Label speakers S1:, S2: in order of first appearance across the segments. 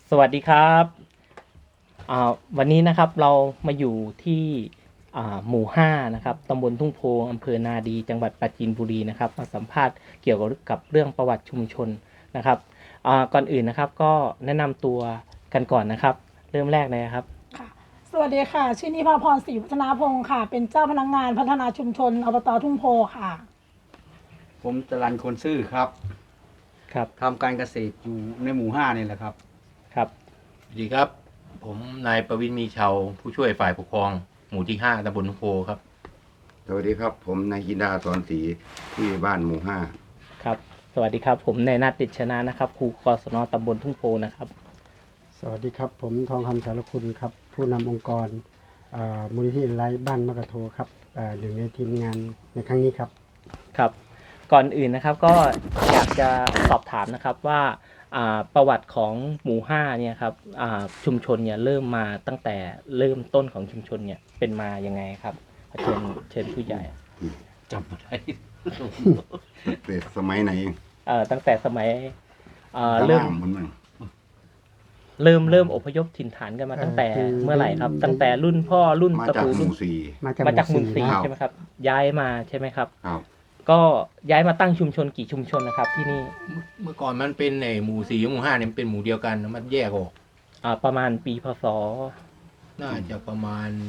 S1: สวัสดีครับวันนี้นะครับเรามาอยู่ที่หมู่5นะครับตำบลทุ่งโพอำเภอนาดีจังหวัดปราจีนบุรีนะครับมาสัมภาษณ์เกี่ยวกับเรื่องประวัติชุมชนนะครับก่อนอื่นนะครับก็แนะนำตัวกันก่อนนะครับเริ่มแรกเลยครับ
S2: ค่ะสวัสดีค่ะชื่อนิพาพรศรีวัฒนาพงศ์ค่ะเป็นเจ้าพนักงานพัฒนาชุมชนอบตทุ่งโพค่ะ
S3: ผมจรัญคนซื่อครับ
S1: ครับ
S3: ทำการเกษตรอยู่ในหมู่5นี่แหละครับ
S1: ครับ
S4: สวัสดีครับผมนายประวินมีชาวผู้ช่วยฝ่ายปกครองหมู่ที่5ตำบลทุ่งโพครับ
S5: สวัสดีครับผมนายกินดาสอนศรีที่บ้านหมู่5
S1: ครับสวัสดีครับผมนายนัทติดชนะนะครับครูกศนตำบลทุ่งโพนะครับ
S6: สวัสดีครับผมทองคำสารคุณครับผู้นำองค์กรมูลนิธิไร้บ้านมะกะโทครับหนึ่งในทีมงานในครั้งนี้ครับ
S1: ครับก่อนอื่นนะครับก็อยากจะสอบถามนะครับว่าประวัติของหมู่5เนี่ยครับชุมชนเนี่ยเริ่มมาตั้งแต่เริ่มต้นของชุมชนเนี่ยเป็นมายังไงครับเชิญผู้ใหญ่
S4: จำไม่ได้
S5: แต่สมัยไหน
S1: ตั้งแต่สมัยเริ่ม
S5: มันมัน
S1: เริ่มอพยพถิ่นฐานกันมาตั้งแต่เมื่อไหร่ครับตั้งแต่รุ่นพ่อรุ่น
S5: มา
S1: ตระ
S5: จาก
S1: กูล
S5: ห
S1: รุ่น
S5: มู่สี่
S1: มาจากหมู่สี่
S5: ครับ
S1: ใช่ไหมครับย้ายมาใช่ไหมครับ
S5: ครับ
S1: ก็ย้ายมาตั้งชุมชนกี่ชุมชนนะครับที่นี่
S4: เมื่อก่อนมันเป็นในหมู่4กับหมู่5เนี่ยมันเป็นหมู่เดียวกันแล้วมันแยกออก
S1: ประมาณปีพศ
S4: น่าจะประมาณ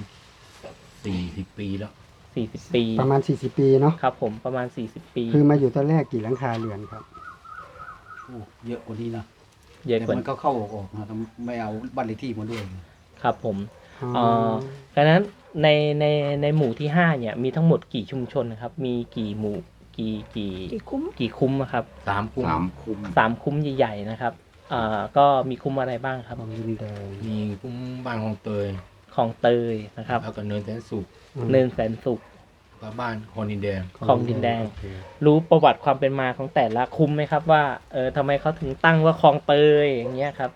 S4: 40 ปีแล้ว
S1: 40 ปี
S6: ประมาณ40 ปีเนาะ
S1: ครับผมประมาณ40 ปี
S6: คือมาอยู่ตอนแรกกี่หลังคาเรือนครับ
S3: โอ้เยอะกว่านี้นะ
S1: เยอะ
S3: แต่
S1: กว่า
S3: มันก็เข้าออกนะไม่เอาบ้านเลขที่มาด้วย
S1: ครับผม
S6: อ๋อ
S1: ดังนั้นในหมู่ที่5เนี่ยมีทั้งหมดกี่ชุมชนนะครับ มีกี่หมู่กี่
S2: กี่คุ้ม
S1: กี่คุ้มอะครับ
S4: 3 คุ้ม
S5: 3 คุ้ม
S1: 3 คุ้มใหญ่ๆนะครับก็มีคุ้มอะไรบ้างครับ
S6: ของดินแดง
S4: มีคุ้มบ้านของเตย
S1: คลองเตยนะครับ
S4: แล้วก็เนินแสนสุข
S1: เนินแสนสุข
S4: กับบ้านคอนินแดง
S1: คลองดินแดง
S6: โอเค
S1: รู้ประวัติความเป็นมาของแต่ละคุ้มไหมครับว่าทำไมเขาถึงตั้งว่าคลองเตยอย่างเงี้ยครับ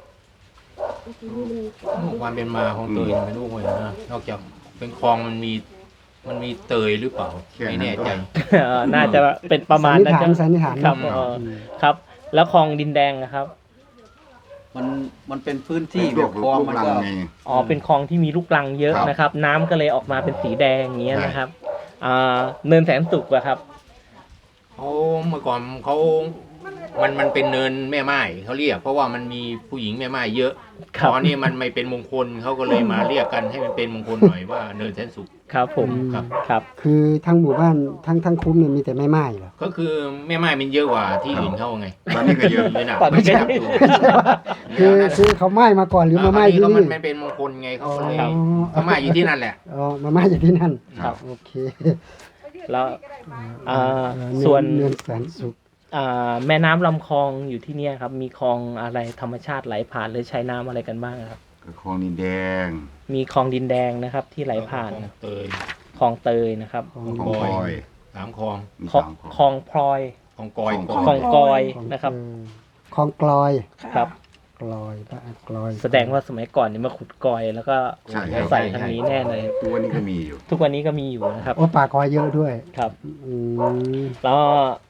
S4: ความเป็นมาของเตยไม่รู้เลยนะนอกจากเป็นคลองมันมีเตยหรือเปล่าไม่แน่ใจ
S1: น่าจะเป็นประมาณนั้น
S6: สันนิษฐาน
S1: ครับ
S6: เนอะ
S1: ครับ แล้วคลองดินแดงนะครับ
S3: มันเป็นพื้นที่
S5: ที่
S3: แบบคลอง
S5: ลูก
S3: มัน
S5: ลัง
S3: ก็
S5: ไง
S1: เป็นคลองที่มีลูกรังเยอะ
S5: ครับ
S1: นะครับ น้ำก็เลยออกมาเป็นสีแดงอย่างเงี้ยนะครับเนินแสนสุขอะครับ
S4: เขาเมื่อก่อนเขามันเป็นเนินแม่ไม้เขาเรียก เพราะว่ามันมีผู้หญิงแม่ไม้เยอะ
S1: ครับ
S4: ตอนนี้มันไม่เป็นมงคลเขาก็เลยมาเรียกกันให้มันเป็นมงคลหน่อยว่าเนินแสนสุข
S1: ครับผม
S4: ครับ
S1: ครับ
S6: คือทั้งหมู่บ้านทั้งคุ้มเนี่ยมีแต่แม่ไม้เหรอ
S4: ก็คือแม่ไม้มันเยอะกว่าที่อื่นเขาไง
S5: ตอนนี้ก็เยอะ
S4: เลยนะ
S1: ตอนนี้ก็
S4: จับอยู่
S6: คือเขาไม้มาก่อนหรือมาไม้ที่
S4: ก็
S6: นี่
S4: มันเป็นมงคลไงเขาก็เลย
S1: ครับ
S4: เขามาอยู่ที่นั่นแหละ
S6: อ๋อมาไม้อยู่ที่นั่น
S1: ครับ
S6: โอเค
S1: แล้ว
S6: เอ่อ
S1: ส่วน
S6: เนินแสนสุข
S1: แม่น้ำลำคลองอยู่ที่เนี่ยครับ มีคลองอะไรธรรมชาติไหลผ่านหรือใช้น้ำอะไรกันบ้างครับ
S5: ก็คลองดินแดง
S1: มีคลองดินแดงนะครับ ที่ไหลผ่าน
S4: เตย
S1: คลองเตยนะครับ
S5: คลองคอย
S4: 3 คลอง
S5: มี
S1: คลอง
S5: 3
S1: คลองพลอย
S4: คลองกอย
S1: คลองกอยนะครับ
S6: คลองกลอย
S1: ครับ
S6: กลอยบ้านกลอย
S1: แสดงว่าสมัยก่อนเนี่ยมาขุดกอยแล้วก็
S5: ใช่ครับ
S1: ใส่ทางนี้แน่เลย
S5: ตัวนี้ก็มีอยู่
S1: ทุกวันนี้ก็มีอยู่นะครับ
S6: โอ้ป่ากอยเยอะด้วย
S1: ครับ
S6: อืม
S1: แล้ว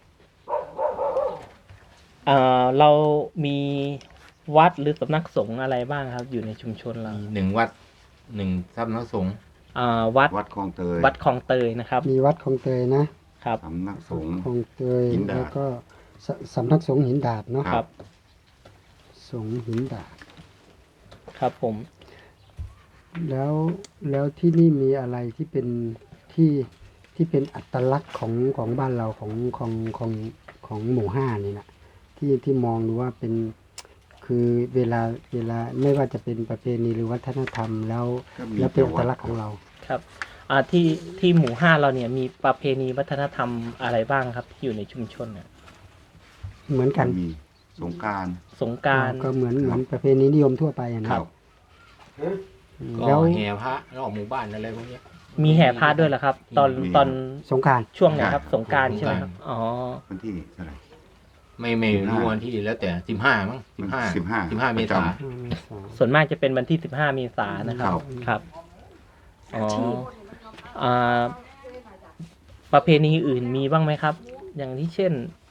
S1: เรามีวัดหรือสำนักสงฆ์อะไรบ้างครับ อยู่ในชุมชนเรา
S4: มี1 วัด 1 สำนักสงฆ์
S1: วัด
S5: วัดคลองเตย
S1: วัดคลองเตยนะครับ
S6: มีวัดคลองเตยนะครับ
S5: สำนักสงฆ์
S6: คลองเตย
S5: หินดาด
S6: แล้วก็สำนักสงฆ์หินดาดเนาะ
S1: ครับ
S6: สงฆ์หินดาด
S1: ครับผม
S6: แล้วที่นี่มีอะไรที่เป็นที่เป็นอัตลักษณ์ของบ้านเราของหมู่ห้านี่นะที่มองดูว่าเป็นคือเวลาไม่ว่าจะเป็นประเพณีหรือวัฒนธรรมแล้ว
S5: ก็มี
S6: แล้วเป็นอัตลักษณ์ของเรา
S1: ครับที่หมู่5เราเนี่ยมีประเพณีวัฒนธรรมอะไรบ้างครับ ที่อยู่ในชุมชนเนี่ย
S6: เหมือนกัน
S5: มีสงกราร
S1: สงกรานต์
S6: ก็เหมือนประเพณีนิยมทั่วไปอะนะครับ
S4: ก็
S6: แล้ว
S4: แห่พระรอบหมู่บ้านอะไรพวกเนี้ย
S1: มีแห่ผ้าด้วยเหรอครับ ตอน
S5: มี
S1: ตอน
S6: สงกราร
S1: ช่วงไหนครับ สงกรารใช่ไหมครับอ๋อ
S5: วันที่เท่าไหร่
S4: ไม่รู้วันที่แล้วแต่15มั้ง15เมษายน
S1: ส่วนมากจะเป็นวันที่15 เมษายนนะครับ ครับอ๋อประเพณีอื่นมีบ้างไหมครับ อย่างที่เช่น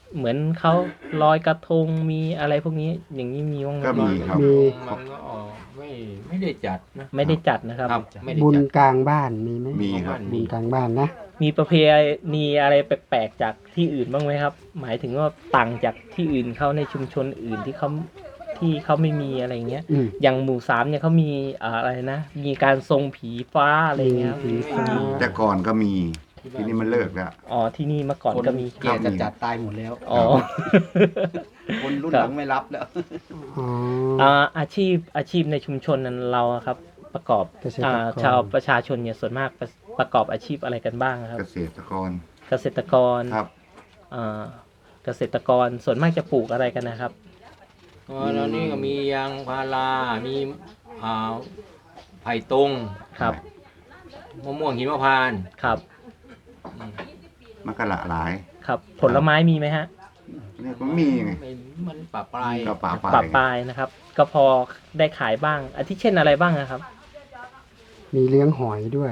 S1: เหมือนเขาลอยกระทงมีอะไรพวกนี้อย่างนี้มีบ้างไหม
S5: ก็มีครับ
S6: มี
S4: มันก็ไม่ได้จัดนะ
S1: ไม่ได้จัดนะครับ
S4: ไม่ได้
S6: บุญ
S4: จัด
S6: กลางบ้านมีไหม
S5: มีครับ
S6: บุญกลางบ้านนะ
S1: มีประเพณีอะไรแปลกๆจากที่อื่นบ้างไหมครับ หมายถึงว่าต่างจากที่อื่นเขาในชุมชนอื่นที่เขาไม่มีอะไรเงี้ย
S6: อืม
S1: อย่างหมู่สามเนี่ยเขามีอะไรนะ มีการทรงผีฟ้าอะไรเงี้ยครับ
S6: ผีฟ้า
S5: แต่ก่อนก็มีทีนี้มันเลิกแล้ว
S1: อ๋อที่นี่เมื่อก่อน
S3: คน
S1: ก็มี
S3: แก่จะจัดตายหมดแล้ว
S1: อ๋อ
S3: คนรุ่น
S1: ค
S3: ห
S1: รับ
S3: ลังไม่รับแล้ว
S6: อ๋อ
S1: อาชีพในชุมชนนั้นเราอะครับ ประกอบ
S6: เกษตรกร
S1: ชาวประชาชนเนี่ยส่วนมากประกอบอาชีพอะไรกันบ้างครับ
S5: เกษตรกร
S1: เกษตรกร
S5: ครับ
S1: อ่าเกษตรกรส่วนมากจะปลูกอะไรกันนะครับ
S4: แล้วนี่ก็มียางพารามีอ่าไผ่ตง
S1: ครับ
S4: มะม่วงหิมพานต์
S1: ครับ
S5: มันก็หลากหลาย
S1: ครับ ผลไม้มีไหมฮะ
S5: เนี่ยก็มีไง
S4: มันปะปลาย
S5: ก็ป่า
S1: ปรับปลายนะครับ ก็พอได้ขายบ้างอาทิเช่นอะไรบ้างนะครับ
S6: มีเลี้ยงหอยด้วย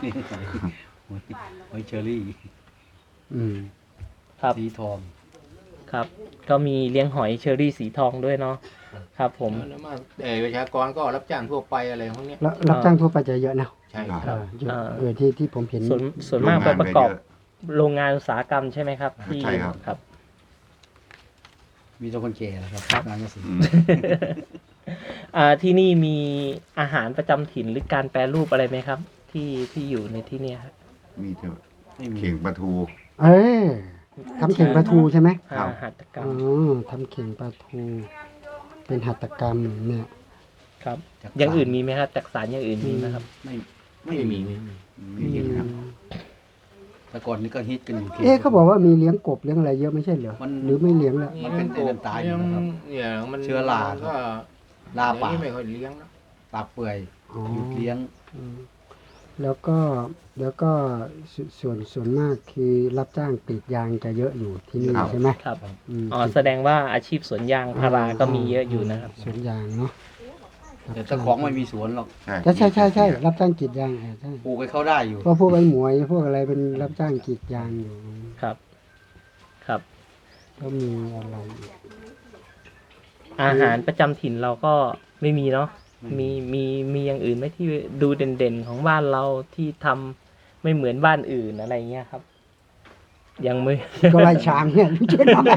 S3: หอยเชอรี่
S6: อืม
S1: ครับ
S3: สีทอง
S1: ครับ ก็มีเลี้ยงหอยเชอรี่สีทองด้วยเนาะครับผม
S4: แล้วมาประชากรก็รับจ้างทั่วไปอะไรพวกเนี้ย
S6: แล้วรับจ้างทั่วไปจะเยอะนะ
S4: ใช่
S5: ครับ
S6: เออเยอะ
S1: อ่า
S6: ที่ผมเห็น
S1: ส่วนมากไปประกอบ โรงงานอุตสาหกรรมใช่ไหมครับที่
S5: ใช่ครับ
S1: ครับ
S3: มีแต่คนแก่นะครับงานเกษตร
S5: อืม
S1: ที่นี่มีอาหารประจำถิ่นหรือการแปรรูปอะไรไหมครับ ที่อยู่ในที่เนี่ยครับ
S5: มีเถอะ
S3: ไม่มี
S5: เข่งปลาทู
S6: เอ้ยทำเข่งปลาทูใช่ไหม
S5: ครับ
S1: หัตถกรร
S6: อ๋
S1: ม
S6: อทำเข่งปลาทู เป็นหัตถกรรมเนี่ย
S1: ครับ อย่างอื่นมีไหมครับจักสารอย่างอื่นมีไหมครับ
S3: ไม่มี
S5: มีเยอะครับ
S3: แต่ก่อนนี้ก็ฮิตกันอยู่
S6: เอ๊ะเขาบอกว่ามีเลี้ยงกบเลี้ยงอะไรเยอะไม่ใช่เหรอ
S3: มัน
S6: หรือไม่เลี้ยงแล้ว
S3: มันเป็นไอ้นั่นตายอยู่นะครับ
S4: เนี่ยมัน
S3: เชื้อราครับ
S4: ก็
S3: ลาป่า
S4: เดี๋ยวนี้ไม่ค่อยเลี้ยงนะ
S3: ปากเปื่อย
S6: อ๋อ
S3: หยุดเลี้ยง
S6: อืมแล้วก็ส่วนมากคือรับจ้างกรีดยางจะเยอะอยู่ที่นี่
S5: ครับ
S6: ใช่ไหม
S1: ครับ
S6: อืม
S1: อ๋อแสดงว่าอาชีพสวนยางพาราก็มีเยอะอยู่นะครับ
S6: สวนยางเนาะ
S3: แต่เจ้าของไม่มีสวนหรอก
S6: ใช่รับจ้างกรีดยางใช่
S3: ปลูกให้เขาได้อยู่
S6: เพราะพวกไอ้หมวยพวกอะไรเป็นรับจ้างกรีดยางอยู่
S1: ครับ ครับ
S6: ก็มีอะไรอีก
S1: อาหารประจำถิ่นเราก็ไม่มีเนาะ มีอย่างอื่นไหมที่ดูเด่นๆของบ้านเราที่ทำไม่เหมือนบ้านอื่นอะไรเงี้ยครับ ยังไม่
S6: ก็ไล่ช้างเนี่ยไม่ใช่หรอ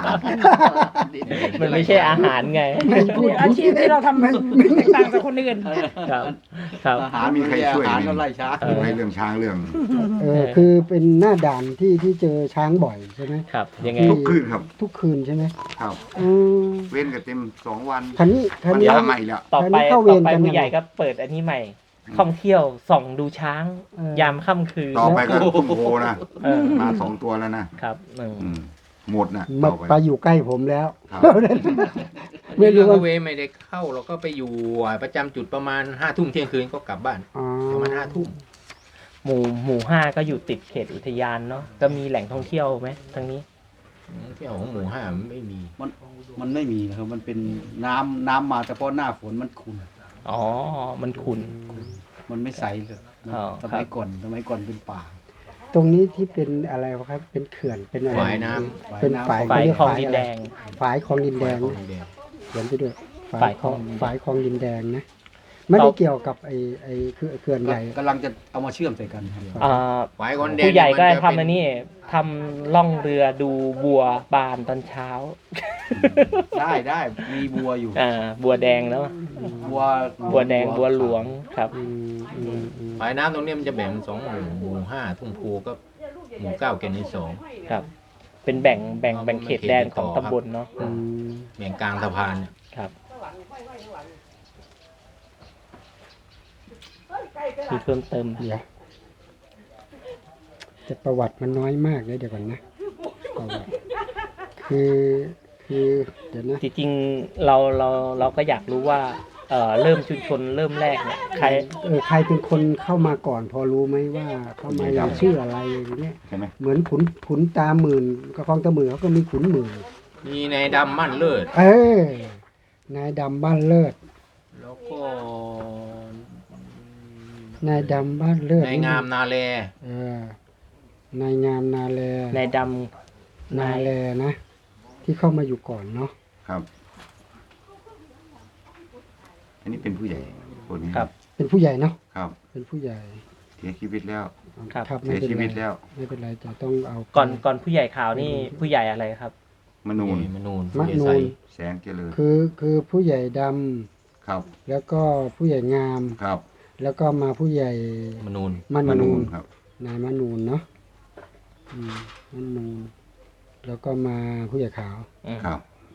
S1: มันไม่ใช่อาหารไง
S6: ไม่พูด
S2: อาชีพที่เราทำแตกต่างจากคนอื่น
S1: ครับ ครับ
S3: อาหาร
S5: มีใครช่วย
S3: อาหาร
S5: ไหม
S3: ก็ไล่ช้าง
S5: ให้เรื่องช้างเรื่อง
S6: คือเป็นหน้าด่านที่เจอช้างบ่อยใช่ไหม
S1: ครับ ยังไง
S5: ทุกคืนครับ
S6: ทุกคืนใช่ไหม
S5: ครับ
S6: อืม
S5: เว้นกันเต็ม2 วัน
S6: คันนี้
S5: มัน
S6: นี้
S5: ยาใหม่แล้ว
S1: ต่อไป
S6: อันนี้เข้าเวรกันยังไง
S1: ผู้ใหญ่ก็เปิดอันนี้ใหม่ ท่องเที่ยวส่องดูช้าง
S6: เออ
S1: ยามค่ำคืน
S5: ต่อไปก็ทุ่งโพนะ
S1: เออ
S5: มา2 ตัวแล้วนะครับ อืมหมดนะ
S6: มา
S5: ต่อ
S6: ไป
S5: ไป
S6: อยู่ใกล้ผมแล้ว
S5: ครับ
S6: ไม่รู้ว่า
S4: เวไม่ได้เข้าเราก็ไปอยู่ประจำจุดประมาณ5 ทุ่มเที่ยงคืนก็กลับบ้าน
S6: อ๋อ
S4: ประมาณ5 ทุ่ม
S1: หมู่ห้าก็อยู่ติดเขตอุทยานเนาะ ก็มีแหล่งท่องเที่ยวไหมทางนี้
S4: เที่ยวของหมู่5มันไม่มี
S3: มันไม่มีนะครับ มันเป็นน้ำมาเฉพาะหน้าฝนมันขุ่น
S1: อ๋อ มันขุ่น
S3: มันไม่ใสเลยนะ
S1: อ๋อ
S3: สมัยก่อนเป็นป่า
S6: ตรงนี้ที่เป็นอะไรวะครับ เป็นเขื่อนเป็นอะไร
S4: ฝายน้
S6: เป็นฝาย
S1: ฝ่าย
S6: เขเรีก
S1: คลอง
S6: ฝาย
S1: ดิน
S6: อะไร
S1: แดง
S6: ฝายคลองดินแดง
S4: ของแดง
S6: เขียนไปด้วย
S1: ฝายคลอง
S6: ฝายคลองดินแดงนะ ไม่ได้เกี่ยวกับไอ้เขื่อนใหญ่
S3: กำลังจะเอามาเชื่อมใส่กันครับ
S1: อ่า
S4: ฝายคนแดง
S1: ผู้ใหญ่ก็
S4: มัจะ
S1: ทำอันนี้ทำล่องเรือดูบัวบานตอนเช้า
S3: ได้มีบัวอยู่
S1: บัวแดงแล้ว บัวแดงบัวหลวงครับ
S6: อืมอืมอืม
S4: ฝายน้ำตรงนี้มันจะแบ่งเป็น2 หมู่5 ทุ่งโพก็หมู่9 แก่นใน2
S1: ครับ เป็นแบ่งเขตแดนของตำบลเนาะ
S6: อืม
S4: แบ่งกลางสะพานเนี่ย
S1: ครับ มีเพิ่มเติม
S6: เดี๋ยวแต่ประวัติมันน้อยมากเลยเดี๋ยวก่อนนะประวัติคือเดี๋ยวนะ
S1: จริงๆเราก็อยากรู้ว่าเริ่มชุมชนเริ่มแรกเนี่ยใคร
S6: ใครเป็นคนเข้ามาก่อนพอรู้ไหมว่าเข้ามาอย่างชื่ออะไรอย่างเงี้ย
S5: ใช่ไหม
S6: เหมือนขุนตาหมื่นกับคลองตาหมื่นเขาก็มีขุนหมื่น
S4: มีในดำมั่นเลิศ
S6: นายดำบ้านเลิศ
S4: แล้วก็
S6: นายดำบ้านเลิศ
S4: ในงามนาแล
S6: นายงามนาแล
S1: นายด
S6: นาแลนะ ที่เข้ามาอยู่ก่อนเนาะ
S5: ครับ อันนี้เป็นผู้ใหญ่คนนี้
S1: ครับ
S6: เป็นผู้ใหญ่เนาะ
S5: ครับ
S6: เป็นผู้ใหญ่
S5: เสียชีวิตแล้ว
S1: ครับ
S6: ครับ
S5: เสียชีวิตแล้ว
S6: ไม่เป็นไรจะต้องเอา
S1: ก่อนผู้ใหญ่ขาวนี่ผู้ใหญ่อะไรครับ
S5: มนูน
S4: มนูน
S6: มะ
S4: เจ
S6: นู
S4: ไซ
S6: น
S5: แสงเจริญ
S6: คือผู้ใหญ่ด
S5: ครับ
S6: ำแล้วก็ผู้ใหญ่งาม
S5: ครับ
S6: แล้วก็มาผู้ใหญ่
S4: มนูน
S6: มะ
S5: มนู
S6: นู
S5: น
S6: น
S5: ครับ
S6: นายมะนูนเนาะมะนูนแล้วก็มาผู้ใหญ่ขาว
S5: ครับ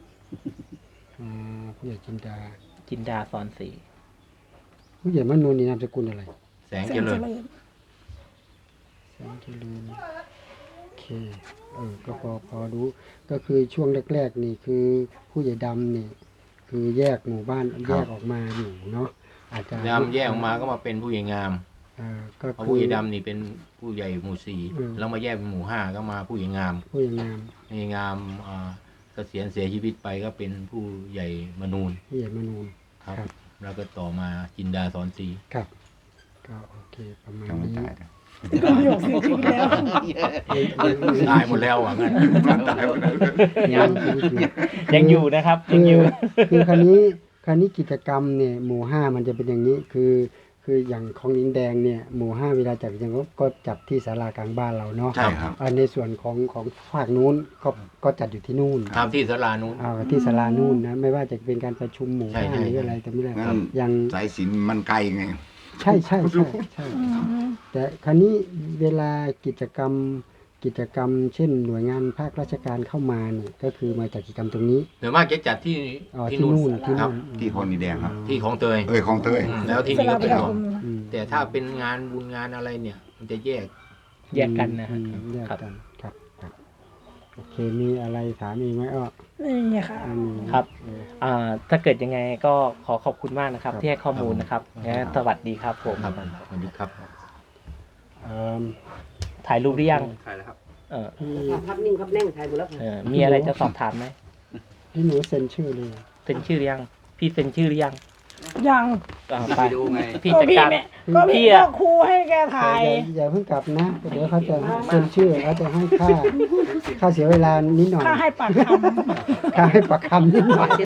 S6: ผู้ใหญ่จินดา
S1: จินดาสอนศรี
S6: ผู้ใหญ่มะนูนนี่นามสกุลอะไร
S4: แสงเจริญ
S6: แสงเจริญโอเคก็พอรู้ก็คือช่วงแรกๆนี่คือผู้ใหญ่ดำนี่คือแยกหมู่บ้านแยกออกมาอยู่เนาะอาจจะ
S4: ดำแยกออกมาก็มาเป็นผู้ใหญ่งาม
S6: ก็
S4: เพราะ
S6: คื
S4: ผู้
S6: อ
S4: ใหญ่ดำนี่เป็นผู้ใหญ่หมู่สี่
S6: อืม
S4: แล้วมาแยกเป็นหมู่ห้าก็มาผู้ใหญ่งาม
S6: ผู้ใหญ่งาม
S4: ผู้ใหญ่งามเกษียณเสียชีวิตไปก็เป็นผู้ใหญ่มนูน
S6: ผู้ใหญ่มนูน
S4: ครับ
S6: ครับ
S4: แล้วก็ต่อมาจินดาสอนศรี
S6: ครับก็โอเคประมาณ
S5: ยังไม่
S6: นี้
S5: ตายนะ
S2: ประโยคเสียชีวิตแล้ว
S4: ตายหมดแล้วอ่ะงั้น
S5: ตายหมดแล้ว
S1: ยังอยู่นะครับยังอยู่
S6: คือคราวนี้กิจกรรมเนี่ยหมู่ห้ามันจะเป็นอย่างนี้คืออย่างของดินแดงเนี่ยหมู่ห้าเวลาจัดกิจกรรมก็จัดที่ศาลากลางบ้านเราเนาะ
S5: ใช่ครับ
S6: ในส่วนของภาคนู้นก็จัดอยู่ที่นู่น
S4: ตามที่สลานู้น
S6: ที่ศาลานู่นนะไม่ว่าจะเป็นการประชุมหมู่
S4: ใช่
S6: ห้า
S4: ใช่
S6: หรืออะไรแต่ไม่ได้
S5: งั้น
S6: อย่าง
S5: สายสิญจนมันไกลไง
S6: ใช่แต่คราวนี้เวลากิจกรรม เช่น หน่วยงานภาคราชการเข้ามาเนี่ยก็คือมาจัดกิจกรรมตรงนี้
S4: โดยมากจะจัดที่
S6: ที่นู่น
S4: ครับ
S5: ที่คลองดินแดงครับ
S4: ที่ของเตย
S5: คลองเตย
S4: แล้วที่
S2: เส
S4: นี่
S2: ลา
S4: ก็
S2: ป
S4: เป็น
S2: ระ
S4: ของ
S2: คม
S6: อืม
S4: แต่ถ้าเป็นงานบุญงานอะไรเนี่ย มันจะแยก
S1: แยกกันนะฮะ
S6: แยก
S1: ครับ
S6: กันครับโอเคมีอะไรถามอีกไหมอ้อ
S2: นี่ค่ะ
S1: ครับ ถ้าเกิดยังไงก็ขอขอบคุณมากนะครับ
S6: ครับ
S1: ที่ให้ข้อมูลนะครับงั้นสวัสดีครับผม
S4: ครับสวัสดีครับ
S6: เอิ่ม
S1: ถ่ายรูปหรือยัง
S3: ถ่ายแล้วครับ
S6: พี่
S7: ภาพนิ่งครับแน่งถ่ายหมดแล้ว
S1: มีอะไรจะสอบถามไหม
S6: พี่หนูเซ็นชื่อเลย
S1: เซ็นชื่อหรือยัง พี่เซ็นชื่อหรือยัง
S2: ยัง
S1: ไป
S3: ดูไง
S1: พี่
S2: ก็
S1: จัด
S2: พี่
S1: การ
S2: เนี่ยก็พี่
S1: พี่อะ
S2: ก็ครูให้แกถ่าย
S6: อย่าเพิ่งกลับนะเดี๋ยวเขาจะเซ็นชื่อเขาจะให้ค่าเสียเวลานิดหน่อย
S2: ค่าให้ปากคำ
S6: ค่าให้ปากคำนิดหน่อย